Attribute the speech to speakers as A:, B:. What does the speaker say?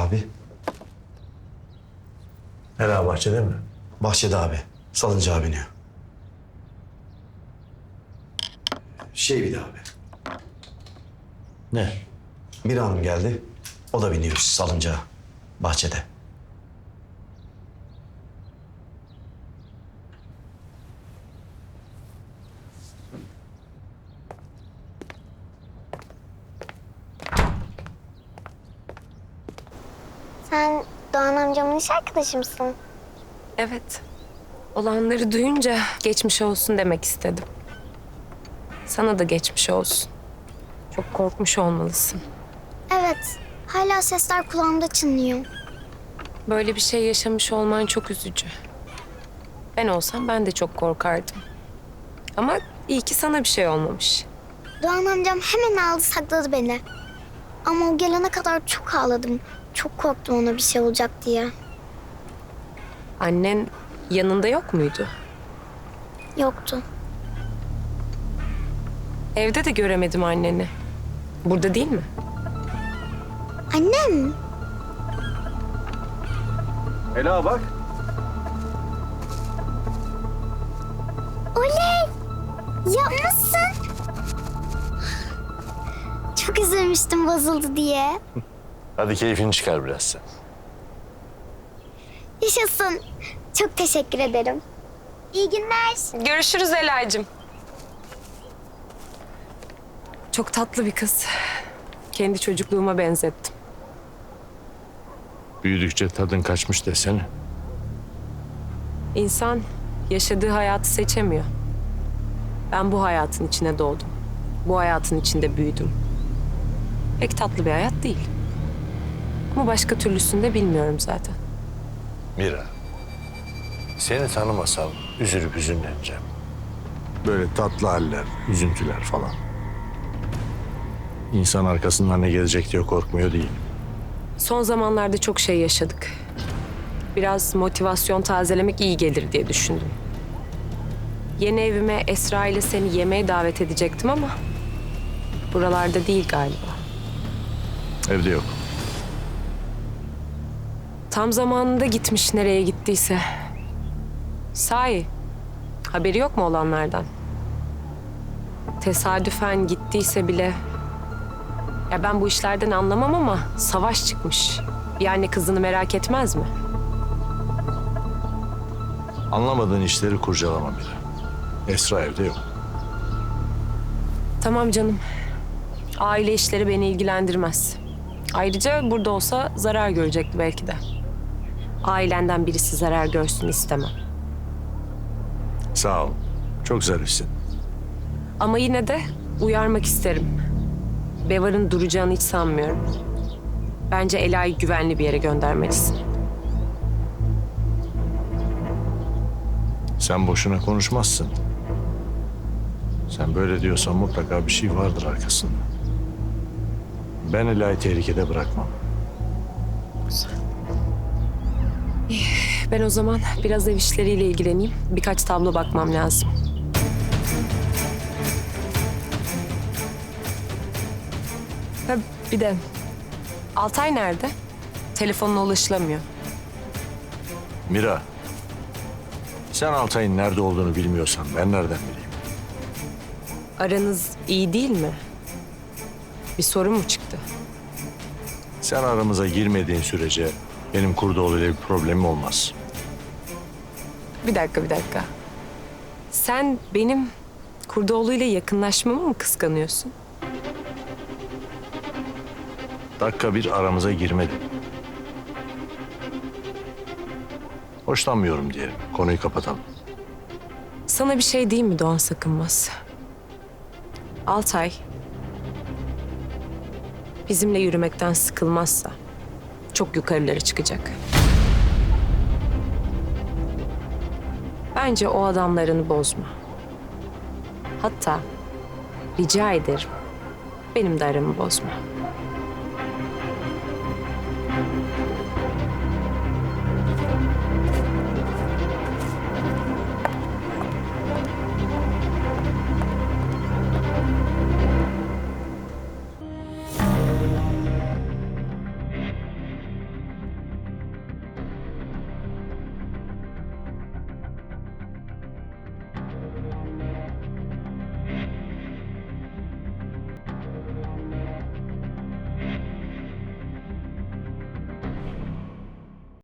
A: Abi.
B: Ela bahçede mi?
A: Bahçede abi. Salıncağa biniyor. Bir de abi.
B: Ne?
A: Bir hanım geldi. O da biniyor salıncağa. Bahçede.
C: Sen Doğan amcamın iş arkadaşı mısın?
D: Evet. Olanları duyunca geçmiş olsun demek istedim. Sana da geçmiş olsun. Çok korkmuş olmalısın.
C: Evet. Hala sesler kulağımda çınlıyor.
D: Böyle bir şey yaşamış olman çok üzücü. Ben olsam ben de çok korkardım. Ama iyi ki sana bir şey olmamış.
C: Doğan amcam hemen aldı sakladı beni. Ama o gelene kadar çok ağladım. Çok korktum ona bir şey olacak diye.
D: Annen yanında yok muydu?
C: Yoktu.
D: Evde de göremedim anneni. Burada değil mi?
C: Annem.
B: Ela bak.
C: Oley! Yapmışsın. Çok üzülmüştüm bozuldu diye.
B: Hadi keyfini çıkar biraz sen.
C: Yaşasın. Çok teşekkür ederim. İyi günler.
D: Görüşürüz Ela'cığım. Çok tatlı bir kız. Kendi çocukluğuma benzettim.
B: Büyüdükçe tadın kaçmış desene.
D: İnsan yaşadığı hayatı seçemiyor. Ben bu hayatın içine doğdum. Bu hayatın içinde büyüdüm. Pek tatlı bir hayat değil. Ama başka türlüsünü de bilmiyorum zaten.
B: Mira, seni tanımasam üzülüp hüzünleneceğim. Böyle tatlı haller, üzüntüler falan. İnsan arkasından ne gelecek diye korkmuyor değil.
D: Son zamanlarda çok şey yaşadık. Biraz motivasyon tazelemek iyi gelir diye düşündüm. Yeni evime Esra ile seni yemeğe davet edecektim ama buralarda değil galiba.
B: Evde yok.
D: Tam zamanında gitmiş nereye gittiyse. Sahi, haberi yok mu olanlardan? Tesadüfen gittiyse bile... Ya ben bu işlerden anlamam ama savaş çıkmış. Yani kızını merak etmez mi?
B: Anlamadığın işleri kurcalama Mira. Esra evde yok.
D: Tamam canım. Aile işleri beni ilgilendirmez. Ayrıca burada olsa zarar görecekti belki de. Ailenden birisi zarar görsün istemem.
B: Sağ ol. Çok zarifsin.
D: Ama yine de uyarmak isterim. Bevar'ın duracağını hiç sanmıyorum. Bence Ela'yı güvenli bir yere göndermelisin.
B: Sen boşuna konuşmazsın. Sen böyle diyorsan mutlaka bir şey vardır arkasında. Ben Ela'yı tehlikede bırakmam.
D: Ben o zaman biraz ev işleriyle ilgileneyim. Birkaç tablo bakmam lazım. Ha, bir de Altay nerede? Telefonla ulaşılamıyor.
B: Mira, sen Altay'ın nerede olduğunu bilmiyorsan ben nereden bileyim?
D: Aranız iyi değil mi? Bir sorun mu çıktı?
B: Sen aramıza girmediğin sürece benim Kurdoğlu'yla bir problemim olmaz.
D: Bir dakika. Sen benim Kurdoğlu ile yakınlaşmamı mı kıskanıyorsun?
B: Dakika bir aramıza girmedin. Hoşlanmıyorum diyelim. Konuyu kapatalım.
D: Sana bir şey diyeyim mi Doğan Sakınmaz? Altay bizimle yürümekten sıkılmazsa çok yukarılara çıkacak. Bence o adamlarını bozma. Hatta rica ederim benim de aramı bozma.